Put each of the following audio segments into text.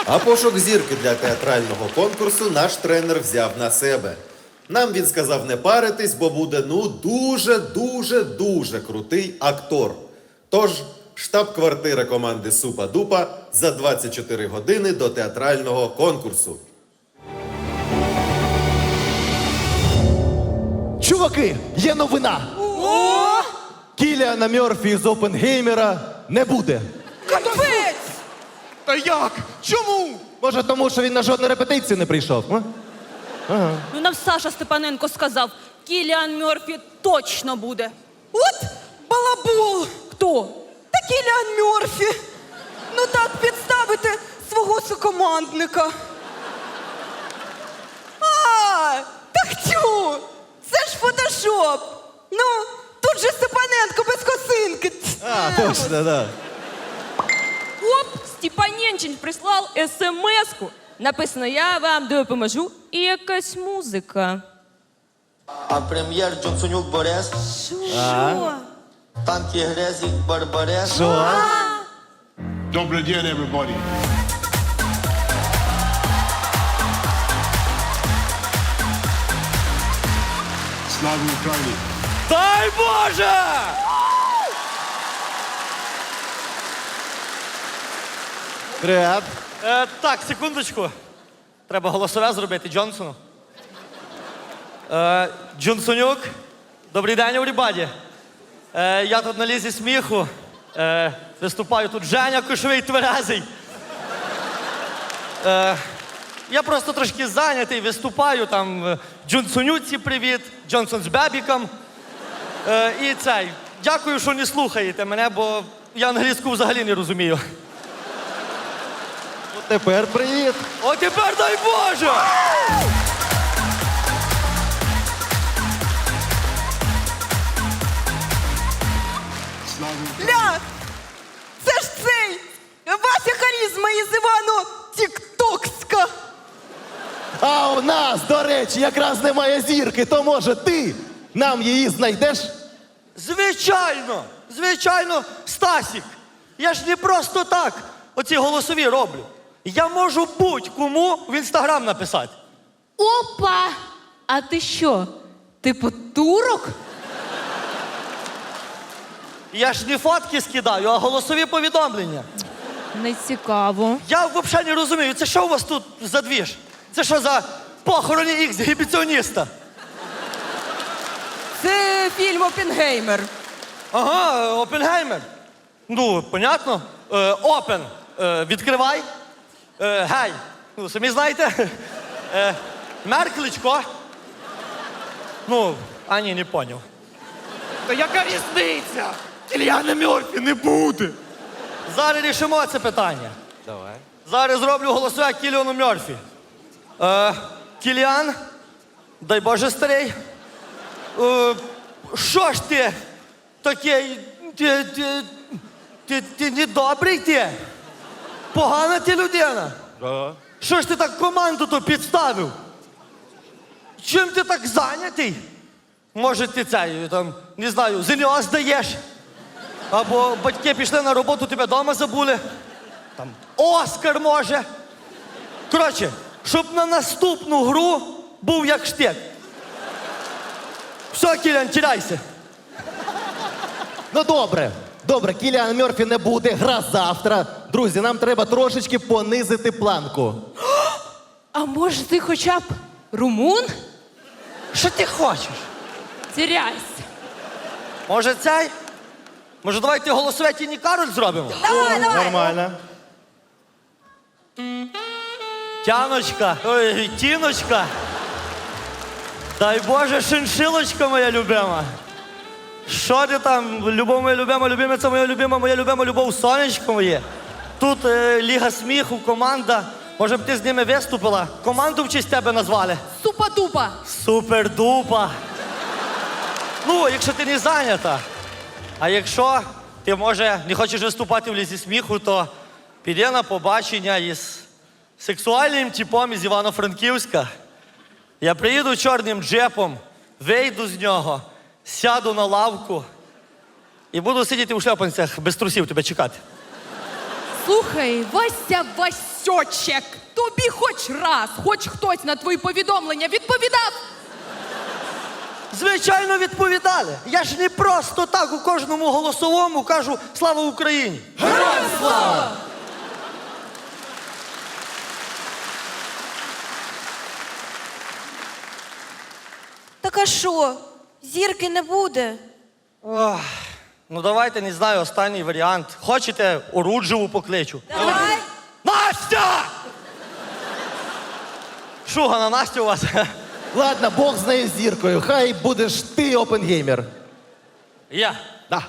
А пошук зірки для театрального конкурсу наш тренер взяв на себе. Нам він сказав не паритись, бо буде, дуже крутий актор. Тож, штаб-квартира команди Супа-Дупа за 24 години до театрального конкурсу. Чуваки, є новина! Кіліана Мерфі з Опенгеймера не буде. Капець! Та як? Чому? Може, тому що він на жодну репетицію не прийшов? А? Ну нам Саша Степаненко сказав, Кіліан Мерфі точно буде. От балабол! Хто? Та Кіліан Мерфі! Ну так підставити свого сукомандника. А, так тю! Це ж фотошоп! Ну, тут же Степаненко без косинки. А, точно, да. Оп, Степаненчин прислав смс-ку. Написано, я вам допоможу. І якась музика. А прем'єр Джонсонюк Борис, Що? танки Грезік Барбарес. Що? Добрий день, everybody. Слава Україні! Дай Боже! Привет. Так, секундочку. Треба голосове зробити Джонсону. Джонсонюк, добрий день, everybody. Я тут на лізі сміху. Виступаю тут Женя Кошовий тверезий. Я просто трошки зайнятий, виступаю там Джонсонюці привіт, Джонсон з Бебіком. І цей. Дякую, що не слухаєте мене, бо я англійську взагалі не розумію. От тепер привіт. О, тепер дай Боже! Слава Україні! Ля! Це ж цей! Вася Харізма із Івану Тіктокська! А у нас, до речі, якраз немає зірки, то може ти нам її знайдеш? Звичайно! Звичайно, Стасік! Я ж не просто так оці голосові роблю. Я можу будь-кому в інстаграм написати. Опа! А ти що? Типу турок? Я ж не фотки скидаю, а голосові повідомлення. Не цікаво. Я взагалі не розумію, це що у вас тут за двіж? Це що за похороні ексгібіціоніста? Це фільм Опенгеймер. Ага, Опенгеймер. Ну, понятно. Опен. Відкривай. Гей. Ну, самі знаєте. Меркличко. Ну, а ні, не поняв. Та яка різниця? Кіліана Мерфі не буде. Зараз рішимо це питання. Давай. Зараз зроблю голосове Кіліану Мерфі. Кіліан, дай Боже старий. Що ж ти такий? Ти недобрий ти? Погана ти людина. Що ж ти так команду то підставив? Чим ти так зайнятий? Може ти цей, там, не знаю, ЗНО здаєш? Або батьки пішли на роботу, тебе вдома забули? Там Оскар може? Коротше, щоб на наступну гру був як штик. Все, Кілян, тіряйся. Ну добре, добре, Кіліан Мерфі не буде, гра завтра. Друзі, нам треба трошечки понизити планку. А може ти хоча б румун? Що ти хочеш? Тіряйся. Може цей? Може давайте голосове Тіні Кароль зробимо? Нормально. Тяночка, ой, Тіночка. Дай Боже, шиншилочка моя любима. Що ти там, любов моя любима, любимиця моя любима, любов, сонечко моє. Тут Ліга сміху, команда. Може б ти з ними виступила? Команду в честь тебе назвали. Супа-дупа. Супер-дупа. Ну, якщо ти не зайнята. А якщо ти, може, не хочеш виступати в Лізі сміху, то піди на побачення із сексуальним типом із Івано-Франківська. Я приїду чорним джепом, вийду з нього, сяду на лавку і буду сидіти у шльопанцях без трусів тебе чекати. Слухай, Вася Васьочек, тобі хоч раз, хоч хтось на твої повідомлення відповідав? Звичайно, відповідали. Я ж не просто так у кожному голосовому кажу «Слава Україні». Героям слава! Так а що? Зірки не буде? Ох, ну давайте, не знаю, останній варіант. Хочете, Оруджеву покличу? Давай. Настя! Шугана, Настя у вас? Ладно, Бог з нею зіркою. Хай будеш ти опенгеймер. Я. Да.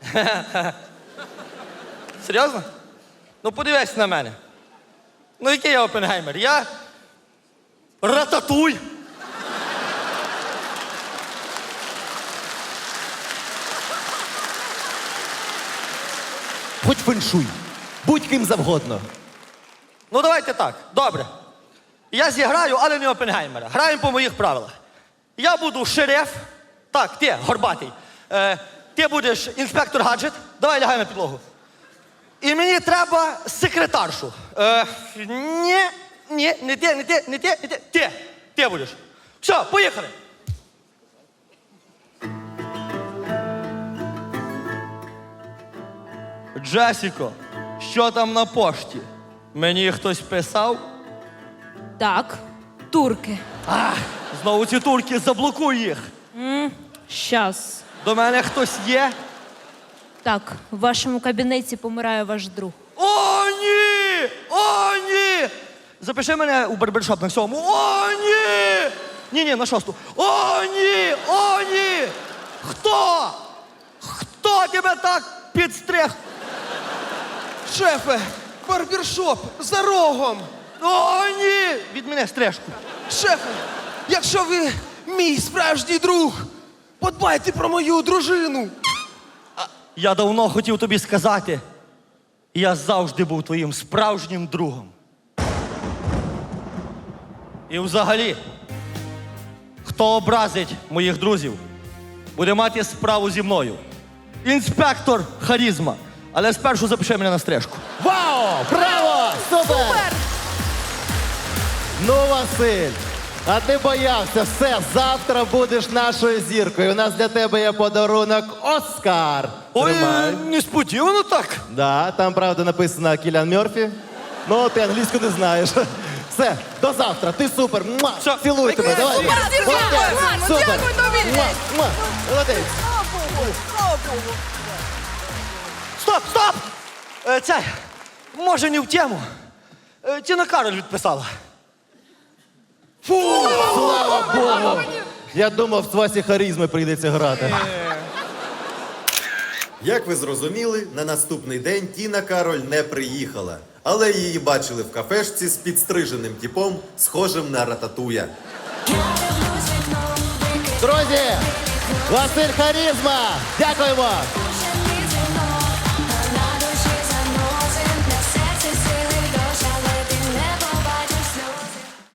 Серйозно? Ну подивись на мене. Ну який я опенгеймер? Я рататуй. Хоч феншуй. Будь ким завгодно. Ну давайте так, добре. Я зіграю, але не опенгеймера. Граємо по моїх правилах. Я буду шериф. Так, ти, горбатий. Ти будеш інспектор гаджет. Давай лягай на підлогу. І мені треба секретаршу. Ні, не ти. Ти будеш. Все, поїхали. Джесіко, що там на пошті? Мені хтось писав? Так, турки. Знову ці турки, заблокуй їх. Щас. До мене хтось є? Так, в вашому кабінеті помирає ваш друг. О, ні! О, ні! Запиши мене у барбершоп на 7. О, ні! Ні, на 6. О, ні! О, ні! Хто? Хто тебе так підстриг? Шефе, барбершоп за рогом. О, ні! Від мене стрижку. Шефе, якщо ви мій справжній друг, подбайте про мою дружину. Я давно хотів тобі сказати, я завжди був твоїм справжнім другом. І взагалі, хто образить моїх друзів, буде мати справу зі мною. Інспектор Харізма. Але спершу запиши мене на стрижку. Вау! Браво! Супер! Ну, Василь, а ти боявся. Все, завтра будеш нашою зіркою. У нас для тебе є подарунок Оскар. Тримай. несподівано так. Да, там, правда, написано Кіліан Мерфі. Ну, ти англійську не знаєш. Все, до завтра. Ти супер. Муа! Все. Цілую тебе. Давай. Супер, зірка! Молодець. Супер. Дякую тобі. Муа! Муа! Молодець. Слава Богу. Стоп! Це, може, не в тему. Тіна Кароль відписала. Слава Богу. Я думав, з Васі Харізми прийдеться грати. Як ви зрозуміли, на наступний день Тіна Кароль не приїхала, але її бачили в кафешці з підстриженим типом, схожим на рататуя. Друзі, Василь Харізма. Дякуємо.